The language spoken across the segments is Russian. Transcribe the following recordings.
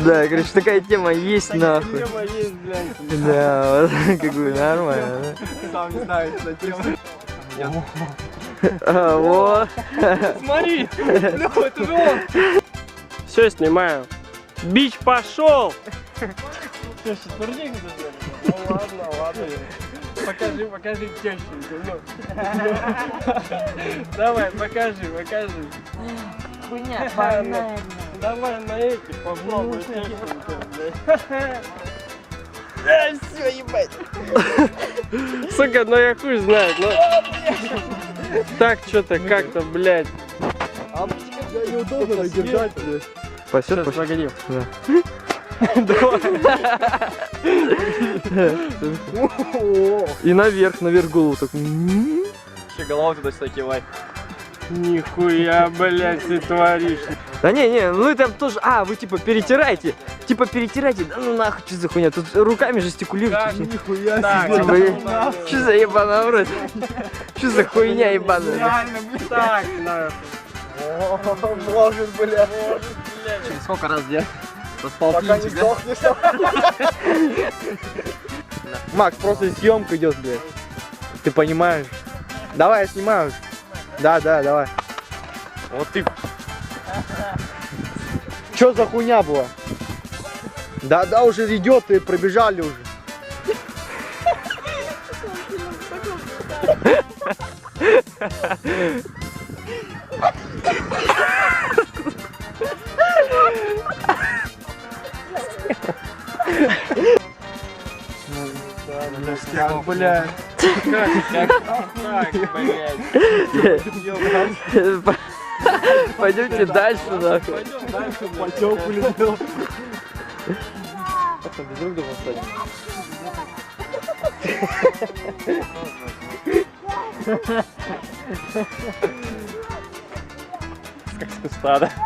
Да, короче, такая тема есть нахуй. Тема есть, блядь. Да, вот, как бы нормально, да? Сам не знаю, что тема. Вот. Смотри, ну это же он. Все, снимаю. Бич пошел. Что, четверник даже? Ну ладно, ладно. Покажи тещеньку. Ну. Давай, покажи. Хуйня банальная. Давай на эти попробуй тещеньку. Все, ебать. Сука, ну я хуй знает, ну. Так, что-то как-то, блядь. А неудобно держать, блядь. Пойдет, Сейчас, погоди. Да. И наверх голову так. Еще голову туда-сюда кивай. Нихуя, блядь, ты творишь. Да не, ну это тоже. А, вы типа перетираете. Да ну нахуй, что за хуйня? Тут руками жестикулируете. Нихуя Так, себе. Что за ебаный в рот? Что за хуйня ебаная? реально, блядь. Так, нахуй. Может, блядь. Блядь. Сколько раз делать? Пока не сдохнешь. Макс, просто съемка идет, блядь. Ты понимаешь? Давай, я снимаю. Да, давай. Вот ты. Что за хуйня была? Да, уже идет, и пробежали уже. Как, блядь. Как, блядь. Пойдемте дальше, нахуй. Пойдем дальше, Потёку любил. Друг друга станет. Как с куста, да?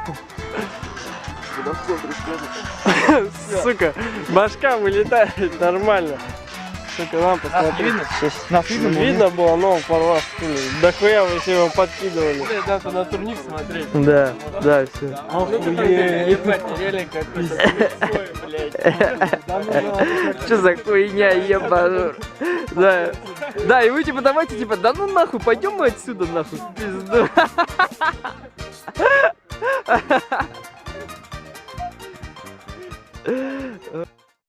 Сука, башка вылетает нормально. Сука, нам посмотри. Нас Видно было, но порвал стуле. Да хуя вы все его подкидывали. Надо на турник смотреть. Да, все. Ебать, реально какой-то блядь. Что за хуйня, ебанур? Да, и вы типа давайте, типа, да ну нахуй, пойдем мы отсюда нахуй, в пизду.